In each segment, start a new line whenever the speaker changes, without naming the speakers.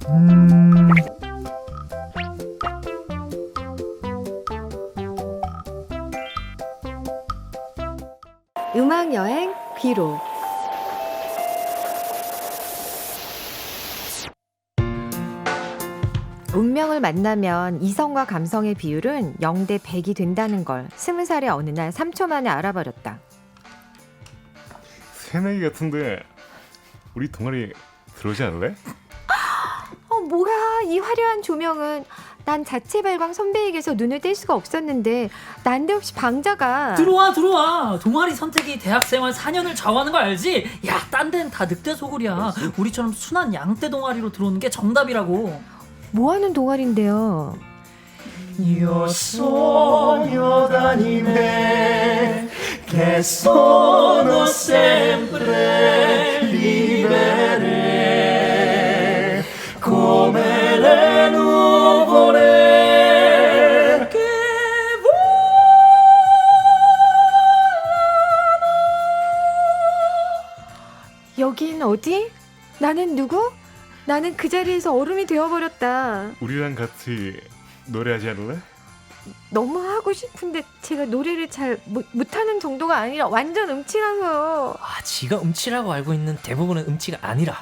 음악여행 귀로. 운명을 만나면 이성과 감성의 비율은 0대 100이 된다는 걸 20살의 어느 날 3초 만에 알아버렸다.
새내기 같은데 우리 동아리 들어오지 않을래?
뭐야 이 화려한 조명은. 난 자체 발광 선배에게서 눈을 뗄 수가 없었는데 난데없이 방자가.
들어와. 동아리 선택이 대학생활 4년을 좌우하는 거 알지? 야, 딴 데는 다 늑대 소굴이야. 우리처럼 순한 양떼 동아리로 들어오는 게 정답이라고.
뭐하는 동아리인데요?
Io sogno d'anime che sono sempre libere come le nuvole che
여긴 어디? 나는 누구? 나는 그 자리에서 얼음이 되어버렸다.
우리랑 같이 노래하지 않을래?
너무 하고 싶은데 제가 노래를 잘 못하는 정도가 아니라 완전 음치라서요.
지가 음치라고 알고 있는 대부분은 음치가 아니라.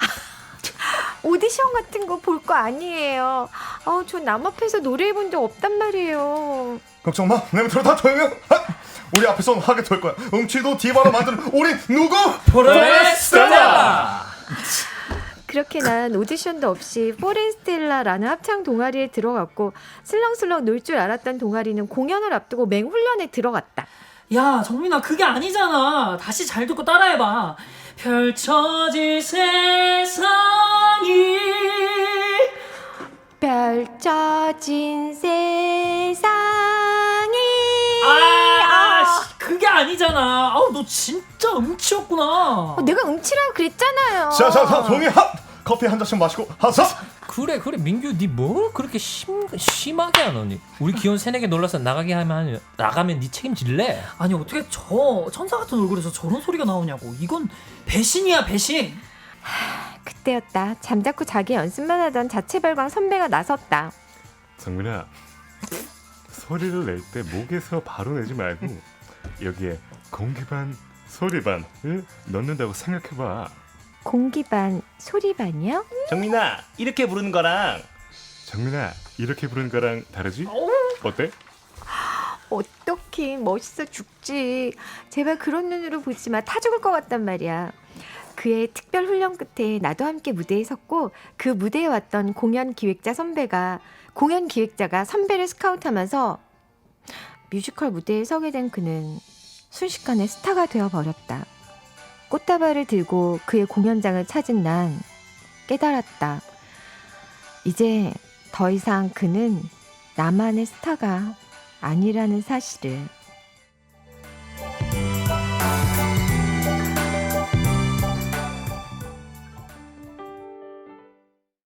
오디션 같은 거 볼 거 아니에요. 저 남 앞에서 노래해본 적 없단 말이에요.
걱정 마, 내 밑으로 다 조용해. 우리 앞에서 하게 될 거야. 음치도 디바로 만드는 우리 누구?
포레스텔라!
그렇게 난 오디션도 없이 포레스텔라라는 합창 동아리에 들어갔고 슬렁슬렁 놀 줄 알았던 동아리는 공연을 앞두고 맹훈련에 들어갔다.
야, 정민아, 그게 아니잖아. 다시 잘 듣고 따라해봐. 펼쳐질 세상이
펼쳐진 세상이.
그게 아니잖아. 너 진짜 음치였구나.
내가 음치라고 그랬잖아요.
자, 조용히 하. 커피 한 잔씩 마시고 하자.
그래 민규 니 뭘 그렇게 심하게 하노니? 우리 귀여운 새내기 놀라서 나가면 니 책임질래?
아니, 어떻게 저 천사 같은 얼굴에서 저런 소리가 나오냐고. 이건 배신이야, 배신.
그때였다. 잠자코 자기 연습만 하던 자체 발광 선배가 나섰다.
정민아, 소리를 낼 때 목에서 바로 내지 말고 여기에 공기 반 소리 반을 넣는다고 생각해봐.
공기 반 소리 반이요?
정민아, 이렇게 부르는 거랑
정민아, 이렇게 부르는 거랑 다르지? 어때?
어떡해, 멋있어 죽지. 제발 그런 눈으로 보지 마. 타 죽을 것 같단 말이야. 그의 특별 훈련 끝에 나도 함께 무대에 섰고 그 무대에 왔던 공연 기획자가 선배를 스카우트하면서 뮤지컬 무대에 서게 된 그는 순식간에 스타가 되어버렸다. 꽃다발을 들고 그의 공연장을 찾은 난 깨달았다. 이제 더 이상 그는 나만의 스타가 아니라는 사실을.